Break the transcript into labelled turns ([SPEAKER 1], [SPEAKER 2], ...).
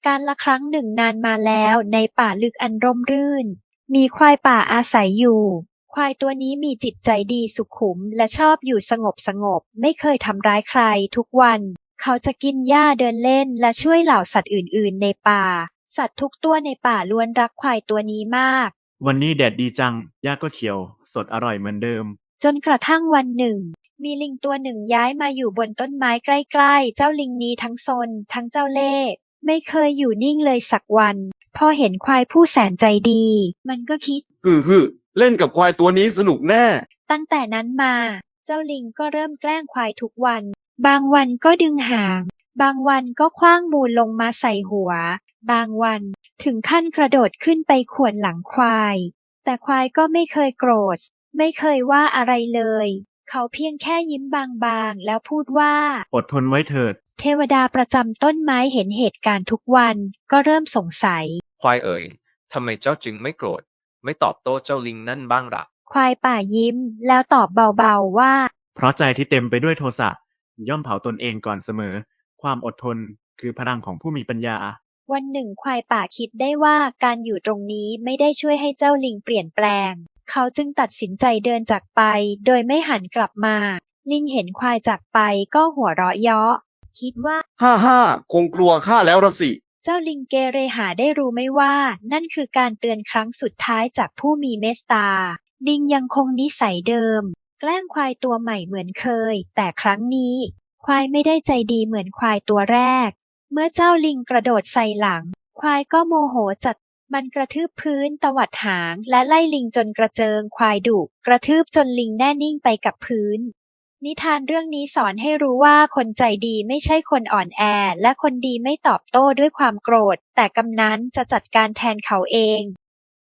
[SPEAKER 1] การละครั้งหนึ่งนานมาแล้วในป่าลึกอันร่มรื่นมีควายป่าอาศัยอยู่ควายตัวนี้มีจิตใจดีสุขุมและชอบอยู่สงบไม่เคยทำร้ายใครทุกวันเขาจะกินหญ้าเดินเล่นและช่วยเหล่าสัตว์อื่นๆในป่าสัตว์ทุกตัวในป่าล้วนรักควายตัวนี้มาก
[SPEAKER 2] วันนี้แดดดีจังหญ้าก็เขียวสดอร่อยเหมือนเดิม
[SPEAKER 1] จนกระทั่งวันหนึ่งมีลิงตัวหนึ่งย้ายมาอยู่บนต้นไม้ใกล้ๆเจ้าลิงนี้ทั้งซนทั้งเจ้าเล่ห์ไม่เคยอยู่นิ่งเลยสักวันพอเห็นควายผู้แสนใจดีมันก็คิด
[SPEAKER 3] เล่นกับควายตัวนี้สนุกแน่
[SPEAKER 1] ตั้งแต่นั้นมาเจ้าลิงก็เริ่มแกล้งควายทุกวันบางวันก็ดึงหางบางวันก็ขว้างมูลลงมาใส่หัวบางวันถึงขั้นกระโดดขึ้นไปข่วนหลังควายแต่ควายก็ไม่เคยโกรธไม่เคยว่าอะไรเลยเขาเพียงแค่ยิ้มบางๆแล้วพูดว่า
[SPEAKER 2] อดทนไว้เถิด
[SPEAKER 1] เทวดาประจำต้นไม้เห็นเหตุการณ์ทุกวันก็เริ่มสงสัย
[SPEAKER 4] ควายเอ๋ยทำไมเจ้าจึงไม่โกรธไม่ตอบโต้เจ้าลิงนั่นบ้างล่ะ
[SPEAKER 1] ควายป่ายิ้มแล้วตอบเบาๆว่า
[SPEAKER 2] เพราะใจที่เต็มไปด้วยโทสะย่อมเผาตนเองก่อนเสมอความอดทนคือพลังของผู้มีปัญญา
[SPEAKER 1] วันหนึ่งควายป่าคิดได้ว่าการอยู่ตรงนี้ไม่ได้ช่วยให้เจ้าลิงเปลี่ยนแปลงเขาจึงตัดสินใจเดินจากไปโดยไม่หันกลับมาลิงเห็นควายจากไปก็หัวเราะเยาะคิดว่า
[SPEAKER 3] ฮ่าคงกลัวข้าแล้วละสิ
[SPEAKER 1] เจ้าลิงเกเรหาได้รู้ไหมว่านั่นคือการเตือนครั้งสุดท้ายจากผู้มีเมตตาลิงยังคงนิสัยเดิมแกล้งควายตัวใหม่เหมือนเคยแต่ครั้งนี้ควายไม่ได้ใจดีเหมือนควายตัวแรกเมื่อเจ้าลิงกระโดดใส่หลังควายก็โมโหจัดมันกระทืบพื้นตวัดหางและไล่ลิงจนกระเจิงควายดุกระทืบจนลิงแน่นิ่งไปกับพื้นนิทานเรื่องนี้สอนให้รู้ว่าคนใจดีไม่ใช่คนอ่อนแอและคนดีไม่ตอบโต้ด้วยความโกรธแต่กำนั้นจะจัดการแทนเขาเอง